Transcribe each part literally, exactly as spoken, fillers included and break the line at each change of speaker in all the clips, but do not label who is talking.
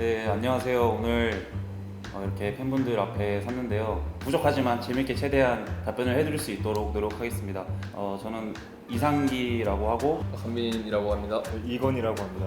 네, 안녕하세요. 오늘 어, 이렇게 팬분들 앞에 섰는데요. 부족하지만 재밌게 최대한 답변을 해드릴 수 있도록 노력하겠습니다. 어, 저는 이상기라고 하고
강민이라고 합니다.
이건이라고 합니다.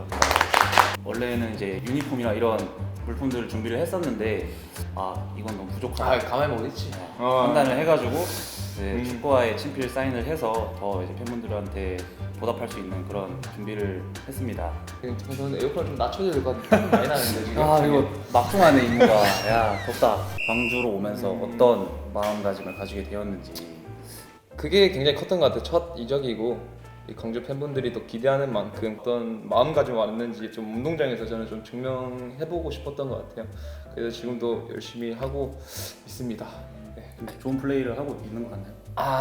원래는 이제 유니폼이나 이런 물품들을 준비를 했었는데 아 이건 너무
아,
부족하다
가만히 먹겠지.
판단을 해가지고 이제
음.
축구화에 친필 사인을 해서 더 이제 팬분들한테 보답할 수 있는 그런 준비를 했습니다.
저는 에어컨 좀 낮춰줘야 될 것 같은데 많이 나는데 지금.
아 이거 막중하네 임무가. 야 덥다. 광주로 오면서
음.
어떤 마음가짐을 가지게 되었는지.
그게 굉장히 컸던 것 같아요. 첫 이적이고 이 광주 팬분들이 또 기대하는 만큼 어떤 마음가짐이 왔는지 좀 운동장에서 저는 좀 증명해보고 싶었던 것 같아요. 그래서 지금도 열심히 하고 있습니다. 네.
좋은 플레이를 하고 있는 것 같나요?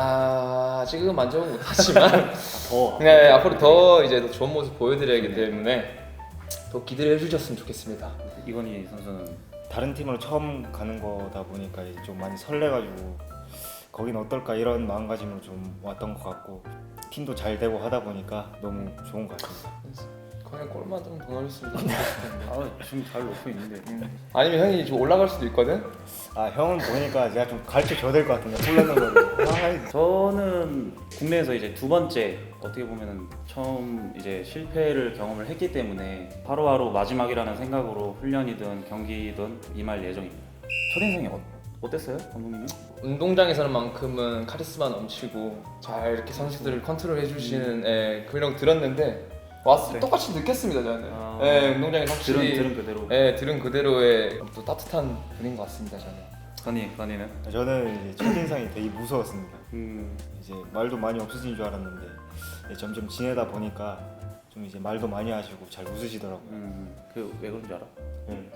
아 지금 만져보면 못하지만
더.
네, 앞으로 더 이제 더 좋은 모습 보여드려야기 때문에 더 기대를 해주셨으면 좋겠습니다.
이건희 선수는
다른 팀으로 처음 가는 거다 보니까 이제 좀 많이 설레가지고 거긴 어떨까 이런 마음가짐으로 좀 왔던 것 같고 팀도 잘 되고 하다 보니까 너무 좋은 것 같습니다.
그냥 골만 좀 더 넣었으면 좋겠는데.
아 지금 잘 놓고 있는데.
아니면 형이 좀 올라갈 수도 있거든?
아 형은 보니까 제가 좀 가르쳐 줘야 될 것 같은데 몰랐는 거를. 아,
저는 국내에서 이제 두 번째 어떻게 보면은 처음 이제 실패를 경험을 했기 때문에 하루하루 마지막이라는 생각으로 훈련이든 경기든 임할 예정입니다. 첫인상이 어, 어땠어요, 감독님이?
운동장에서는 만큼은 카리스마 넘치고 잘 이렇게 선수들을 컨트롤 해주시는 예, 그런 들었는데 왔을 때
네.
똑같이 느꼈습니다 저는.
아.
예, 운동장에서
들은
확실히
들은 그대로.
예, 들은 그대로의 또 따뜻한 분인 것 같습니다 저는.
건희 건희는?
저는 이제 첫인상이 되게 무서웠습니다.
음.
이제 말도 많이 없으신 줄 알았는데 이제 점점 지내다 보니까 좀 이제 말도 많이 하시고 잘 웃으시더라고요.
음. 그 왜 그런 줄 알아?
네.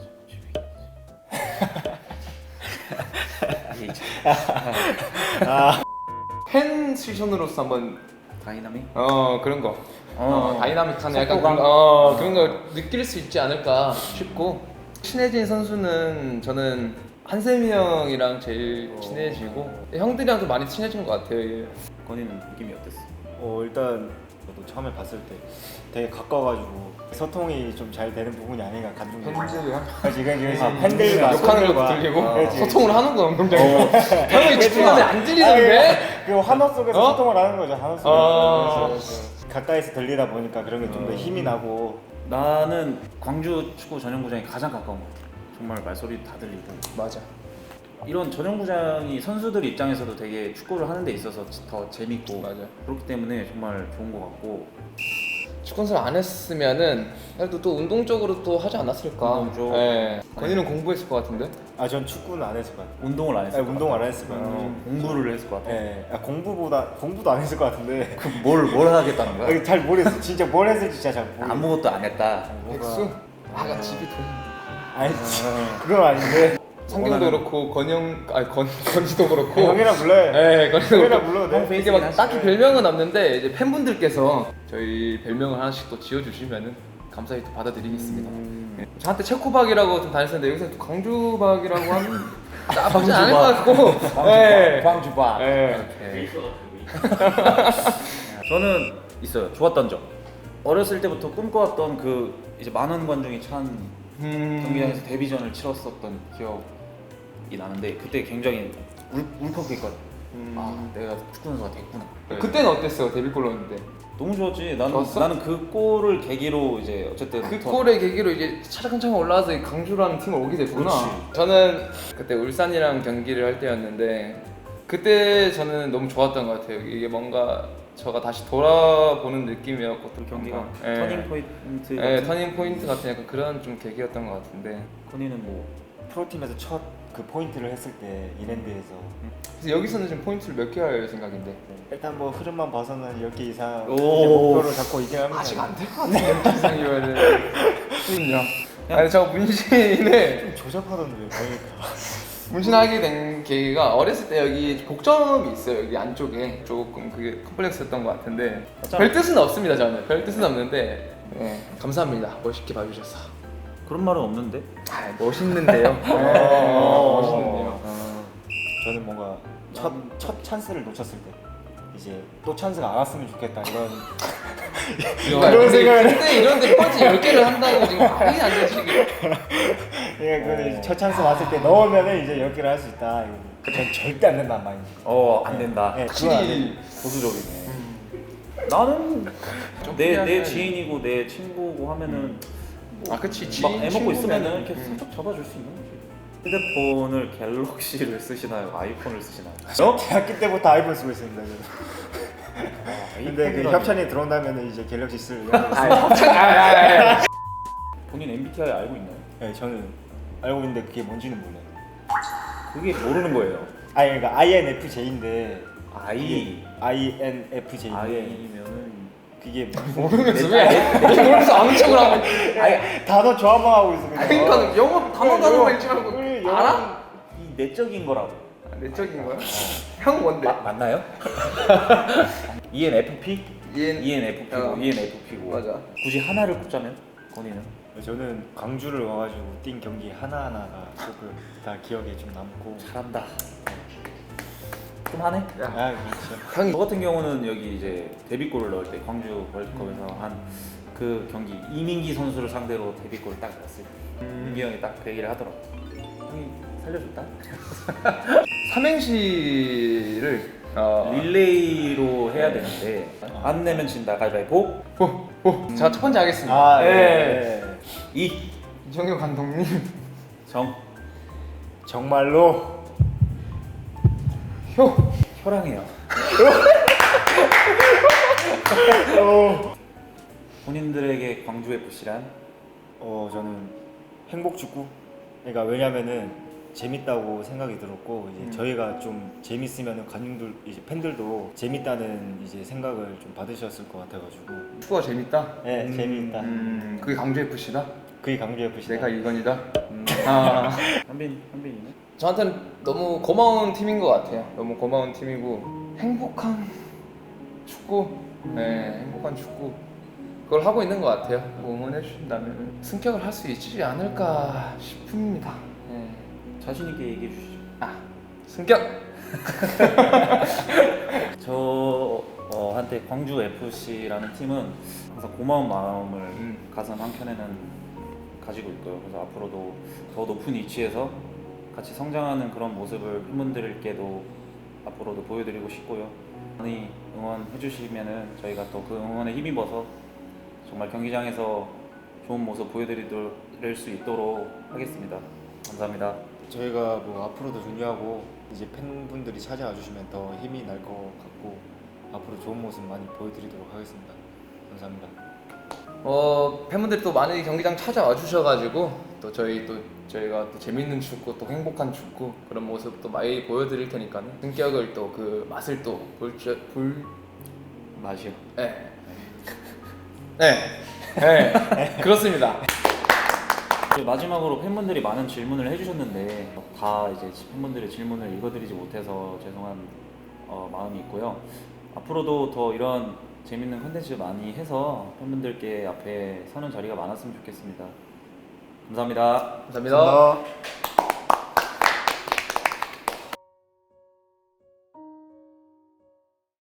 팬 시선으로서 한번
다이나믹?
어 그런 거 어,
어.
다이나믹한 약간
속도감?
그런, 어, 그런 걸 느낄 수 있지 않을까 싶고 친해진 선수는 저는 한세미 형이랑 제일 친해지고 형들이랑도 많이 친해진 것 같아요. 예.
건희는 느낌이 어땠어?
어 일단 저도 처음에 봤을 때 되게 가까워가지고 소통이 좀 잘 되는 부분이 아닌가 감정이.
팬들이랑
지금 지금
아,
팬들과
욕하는 것도
팬들과.
들리고
아, 그렇지.
소통을 하는 거야 운동장에서. 형이 집중하면 안 들리는데?
그 환호 속에서
어?
소통을 하는 거죠. 환호 속에서.
어.
그래서 가까이서 들리다 보니까 그런 게 좀 더 힘이 나고.
나는 광주 축구 전용구장이 가장 가까운 것 같아. 정말 말소리 다 들리고.
맞아.
이런 전용구장이 선수들 입장에서도 되게 축구를 하는 데 있어서 더 재밌고
맞아.
그렇기 때문에 정말 좋은 것 같고.
축구 연습 안 했으면은 그래도 또 운동적으로 또 하지 않았을까?
운동 쪽.
예. 건이는 공부했을 것 같은데?
아 전 축구는 안 했을 것 같아요.
운동을 안 했을
아니,
것
운동을
같아.
안 했을 것 같아요.
음, 공부를 했을 것 같아.
예, 아, 공부보다 공부도 안 했을 것 같은데.
뭘 뭘 하겠다는 거야?
아, 잘 모르겠어. 진짜 뭘 했을지 진짜 잘 모르겠어.
아무것도 안 했다.
백수? 아가 집이 돈.
아니 그건 아닌데.
상경도
원하는-
그렇고 건영 아니 건 건지도 그렇고.
형이랑 불러요.
예, 건이도
형이랑
그렇고.
불러도 돼.
이게 막 딱히 별명은 없는데 이제 팬분들께서 저희 별명을 하나씩 또 지어주시면은 감사히 또 받아드리겠습니다.
음.
예. 저한테 체코박이라고 좀 다녔었는데 여기서 또 광주박이라고 하면 나쁘지 않을 것 같고. 예.
광주박.
예.
오케이. 저는 있어요. 좋았던 점. 어렸을 때부터 꿈꿔왔던 그 이제 만원 관중이 찬
음.
경기장에서 데뷔전을 치렀었던 기억이 나는데 그때 굉장히 울, 울컥했거든.
음.
아 내가 축구 선수가 됐구나.
그때는 어땠어요? 데뷔골 넣었는데.
너무 좋았지. 나는
좋았어?
나는 그 골을 계기로 이제 어쨌든
그
더-
골의 계기로 이제 차근차근 올라와서 이 강주라는 팀을 오게 됐구나.
그렇지.
저는 그때 울산이랑 경기를 할 때였는데 그때 저는 너무 좋았던 것 같아요. 이게 뭔가 저가 다시 돌아보는 느낌이었고 또
그 경기가
뭔가, 예.
터닝 포인트.
예,
같은?
터닝 포인트 같은 약간 그런 좀 계기였던 것 같은데.
건이는 뭐
프로팀에서 첫 그 포인트를 했을 때 이랜드에서
그래서 여기서는 지금 포인트를 몇 개 할 생각인데.
일단 뭐 흐름만 봐서는 열 개 이상
오.
이제 목표로 잡고 있긴 합니다.
아직 안 될 것 같은데 열 개 이상이면은. 그럼요. 아니 저 문신을
좀 조잡하던데 보니까.
문신하게 된 계기가 어렸을 때 여기 복점이 있어요. 여기 안쪽에 조금 그게 컴플렉스였던 것 같은데 별 뜻은 없습니다. 저는 별 뜻은 없는데 네, 감사합니다. 멋있게 봐주셔서.
그런 말은 없는데.
아 멋있는데요.
어.
멋있는데요.
어, 저는 뭔가 첫, 첫 찬스를 놓쳤을 때 이제 또 찬스가 안 왔으면 좋겠다 이런
그런
생각을-
근데 이런데 펀치 열 개를 한다는 거 지금 말이 안 되지.
예, 그 첫 찬스 왔을 때 넣으면은 이제 열 개를 할 수 있다. 이거 전 절대 안 된다는 마인드.
어, 안 된다.
예, 그건 안
확실히
된다.
보수적이네. 나는
좀
내, 내
피하는-
지인이고 내 친구고 하면은 뭐
아 그치
막
지인
애먹고
친구면은,
있으면은 이렇게
음.
살짝 잡아줄 수 있는 거지. 휴대폰을 갤럭시를 쓰시나요? 아이폰을 쓰시나요? 어?
대학교 때부터 아이폰 쓰고 있습니다. 저는. 근데 그
아이폰이라니.
협찬이 들어온다면 이제 갤럭시 쓸.
본인 엠비티아이 알고 있나요?
네, 저는 알고 있는데 그게 뭔지는 몰라요.
그게 모르는 거예요.
아니 그러니까 아이엔에프제이인데
I
아이엔에프제이인데
I면은
그게
모르면서 왜 모르면서 아무 척을 하고.
아니 단어 조합만 하고 있어. 그냥.
그러니까 영어 단어 단어만 읽지 말고
그래, 영어-
알아?
이 내적인 거라고.
내적인 거야? 형 뭔데?
맞나요? 이엔에프피?
EN
이엔에프피고
어.
이엔에프피고
맞아.
굳이 하나를 꼽자면 건이는?
저는 광주를 와가지고 뛴 경기 하나 하나가 조금 다 기억에 좀 남고.
잘한다. 좀 하네.
아 그렇죠.
형
저 같은 경우는 여기 이제 데뷔골을 넣을 때 광주 월드컵에서 한 그 경기 이민기 선수를 상대로 데뷔골을 딱 넣었을 때
음.
민기 형이 딱 그 얘기를 하더라고. 형이 살려줬다.
삼행시를 어,
릴레이로 해야 되는데 안 내면 진다. 가위바위보.
호, 호. 자, 첫 번째 하겠습니다.
아
예.
네.
이
이정효 감독님.
정
정말로
효.
혈양해요. 본인들에게 광주 에프씨란
어 저는 행복 축구. 그러니까 왜냐면은 재밌다고 생각이 들었고 이제
음.
저희가 좀 재밌으면은 관중들 이제 팬들도 재밌다는 이제 생각을 좀 받으셨을 것 같아가지고.
축구가 재밌다.
네
음,
재밌다.
음, 그게 강주 에프씨다.
그게 강주 에프씨.
내가 이건이다. 음. 아.
현빈 현빈이네.
저한테는 너무 고마운 팀인 것 같아요. 너무 고마운 팀이고 행복한 축구. 네, 행복한 축구. 그걸 하고 있는 것 같아요. 뭐 응원해 주신다면 승격을 할 수 있지 않을까 싶습니다. 네.
자신 있게 얘기해 주시죠.
아, 승격.
저 어, 한때 광주 에프씨라는 팀은 항상 고마운 마음을
음.
가슴 한켠에는 가지고 있고요. 그래서 앞으로도 더 높은 위치에서 같이 성장하는 그런 모습을 팬분들께도 앞으로도 보여드리고 싶고요. 많이 응원해 주시면은 저희가 또 그 응원에 힘입어서 정말 경기장에서 좋은 모습 보여드릴 수 있도록 하겠습니다. 감사합니다.
저희가 뭐 앞으로도 준비하고 이제 팬분들이 찾아와 주시면 더 힘이 날 것 같고 앞으로 좋은 모습 많이 보여드리도록 하겠습니다. 감사합니다.
어 팬분들이 또 많이 경기장 찾아와 주셔가지고 또 저희 또 저희가 또 재밌는 축구 또 행복한 축구 그런 모습 또 많이 보여드릴 테니까는 승격을 또 그 맛을 또볼볼
맛이요.
네. 네. 네. 그렇습니다.
그 마지막으로 팬분들이 많은 질문을 해주셨는데 다 이제 팬분들의 질문을 읽어드리지 못해서 죄송한 어, 마음이 있고요. 앞으로도 더 이런 재밌는 컨텐츠 많이 해서 팬분들께 앞에 서는 자리가 많았으면 좋겠습니다. 감사합니다.
감사합니다.
감사합니다.